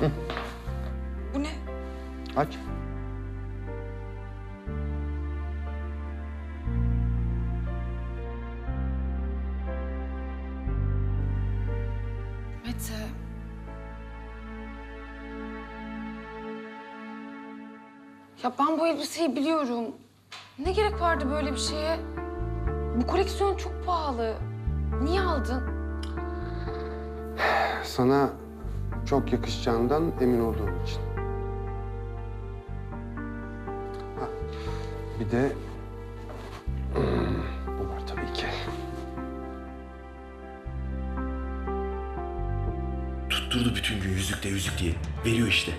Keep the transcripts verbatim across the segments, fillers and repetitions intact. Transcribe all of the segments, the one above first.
Bu ne? Aç. Mete. Ya ben bu elbiseyi biliyorum. Ne gerek vardı böyle bir şeye? Bu koleksiyon çok pahalı. Niye aldın? Sana çok yakışacağından emin olduğum için. Ha, bir de hmm, bu var tabii ki. Tutturdu bütün gün yüzükte yüzük diye. Veriyor işte.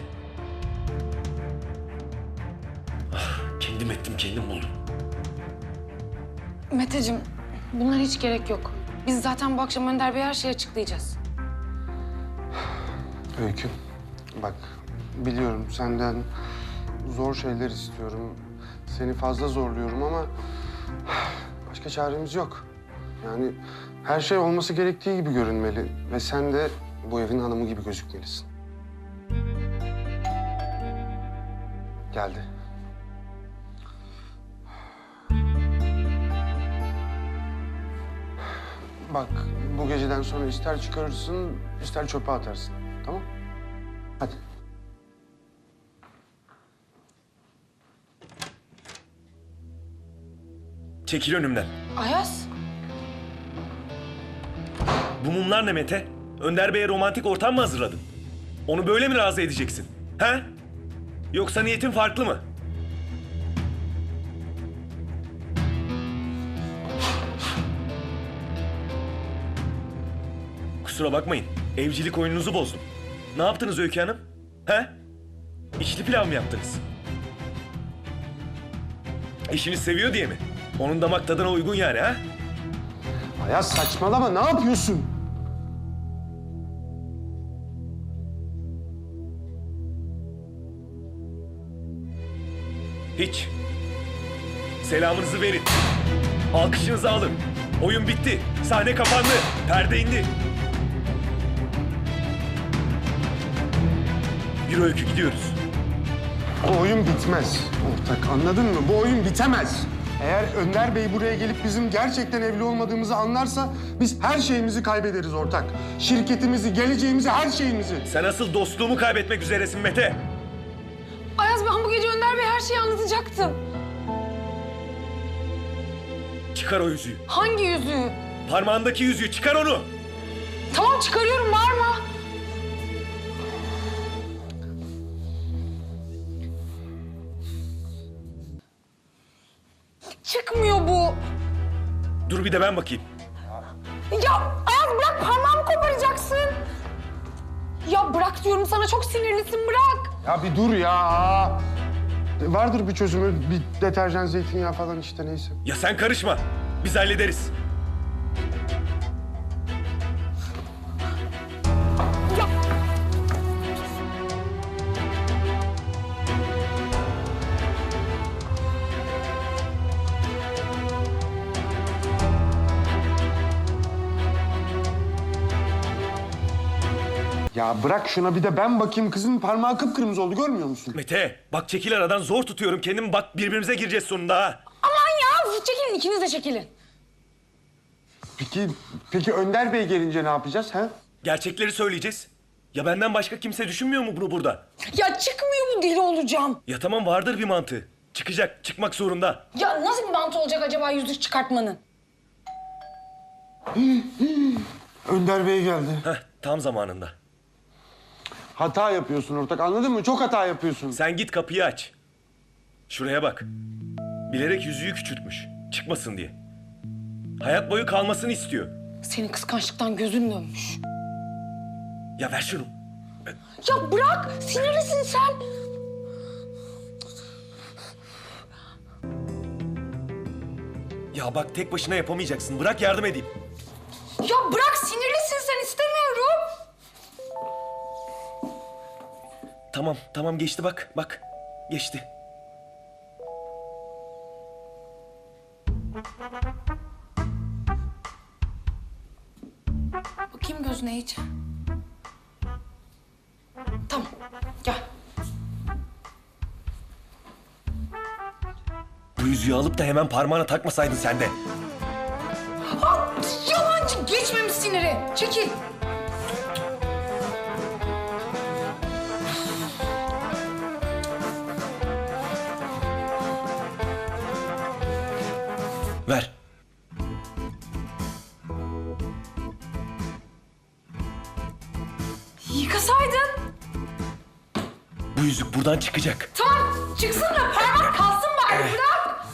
Ah, kendim ettim, kendim buldum. Meteciğim, bunlara hiç gerek yok. Biz zaten bu akşam Önder Bey'e her şeyi açıklayacağız. Öykü, bak biliyorum senden zor şeyler istiyorum. Seni fazla zorluyorum ama başka çaremiz yok. Yani her şey olması gerektiği gibi görünmeli ve sen de bu evin hanımı gibi gözükmelisin. Geldi. Bak bu geceden sonra ister çıkarırsın, ister çöpe atarsın. Tamam? Hadi. Çekil önümden. Ayaz, Bu mumlar ne Mete? Önder Bey'e romantik ortam mı hazırladın? Onu böyle mi razı edeceksin? He? Yoksa niyetin farklı mı? Kusura bakmayın. Evcilik oyununuzu bozdum. Ne yaptınız Öykü Hanım? He? İçli pilav mı yaptınız? Eşiniz seviyor diye mi? Onun damak tadına uygun yani ha? Ayaz saçmalama, ne yapıyorsun? Hiç. Selamınızı verin. Alkışınızı alın. Oyun bitti. Sahne kapandı. Perde indi. Bir öykü gidiyoruz. Bu oyun bitmez ortak, anladın mı? Bu oyun bitemez. Eğer Önder Bey buraya gelip bizim gerçekten evli olmadığımızı anlarsa biz her şeyimizi kaybederiz ortak. Şirketimizi, geleceğimizi, her şeyimizi. Sen asıl dostluğumu kaybetmek üzeresin Mete. Ayaz ben bu gece Önder Bey'e her şeyi anlatacaktım. Çıkar o yüzüğü. Hangi yüzüğü? Parmağındaki yüzüğü çıkar onu. Tamam çıkarıyorum, bağırma. Çıkmıyor bu. Dur bir de ben bakayım. Ya Ayaz bırak, parmağımı koparacaksın. Ya bırak diyorum sana, çok sinirlisin, bırak. Ya bir dur ya. Vardır bir çözümü, bir deterjan, zeytinyağı falan işte neyse. Ya sen karışma. Biz hallederiz. Ya Ya bırak şuna bir de ben bakayım, kızın parmağı kıpkırmızı oldu, görmüyor musun? Mete bak çekil aradan, zor tutuyorum kendimi, bak birbirimize gireceğiz sonunda ha. aman ya, çekilin, ikiniz de çekilin. Peki, peki Önder Bey gelince ne yapacağız ha? Gerçekleri söyleyeceğiz. Ya benden başka kimse düşünmüyor mu bunu burada? Ya çıkmıyor mu, deli olacağım. Ya tamam, vardır bir mantığı. Çıkacak, çıkmak zorunda. Ya nasıl bir mantı olacak acaba yüzük çıkartmanın? Önder Bey geldi. Heh, tam zamanında. Hata yapıyorsun ortak, anladın mı? Çok hata yapıyorsun. Sen git kapıyı aç. Şuraya bak. Bilerek yüzüğü küçültmüş. Çıkmasın diye. Hayat boyu kalmasını istiyor. Senin kıskançlıktan gözün dönmüş. Ya ver şunu. Ya bırak, sinirlisin sen. Ya bak tek başına yapamayacaksın. Bırak yardım edeyim. Ya bırak, sinirlisin sen, istemiyorum. Tamam, tamam geçti bak. Bak, geçti. Bakayım gözüne iyice. Tamam. yüzüğü alıp da hemen parmağına takmasaydın sen de. Ah, yalancı geçmemiş siniri. Çekil. Ver. Yıkasaydın. Bu yüzük buradan çıkacak. Tamam çıksın da parmak kalsın bari bırak.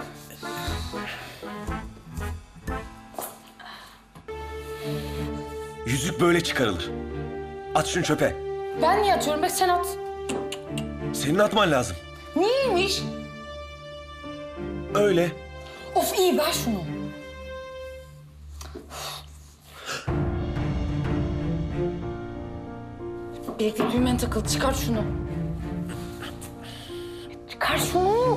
Yüzük böyle çıkarılır. At şunu çöpe. Ben niye atıyorum be sen at. Senin atman lazım. Niyeymiş? Öyle. Of iyi ver şunu. Birlikte düğmen takıldı. Çıkar şunu. Çıkar şunu.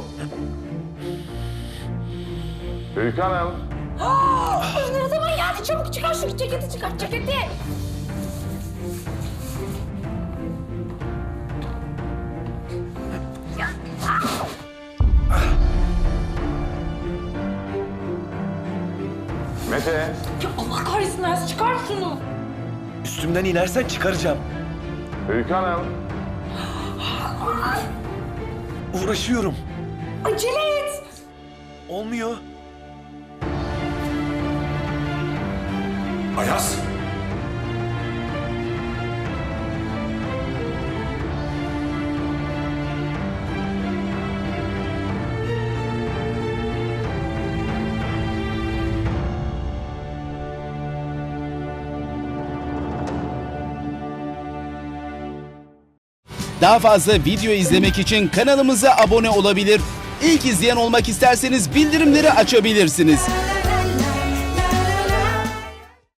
Öykü Hanım. Aa, ne zaman geldi? Çabuk çıkar şu ceketi çıkar ceketi. Mete. Ya Allah kahretsin Ayaz çıkar şunu. Üstümden inersen çıkaracağım. Öykü Hanım. Uğraşıyorum. Acele et. Olmuyor. Ayaz. Daha fazla video izlemek için kanalımıza abone olabilir. İlk izleyen olmak isterseniz bildirimleri açabilirsiniz.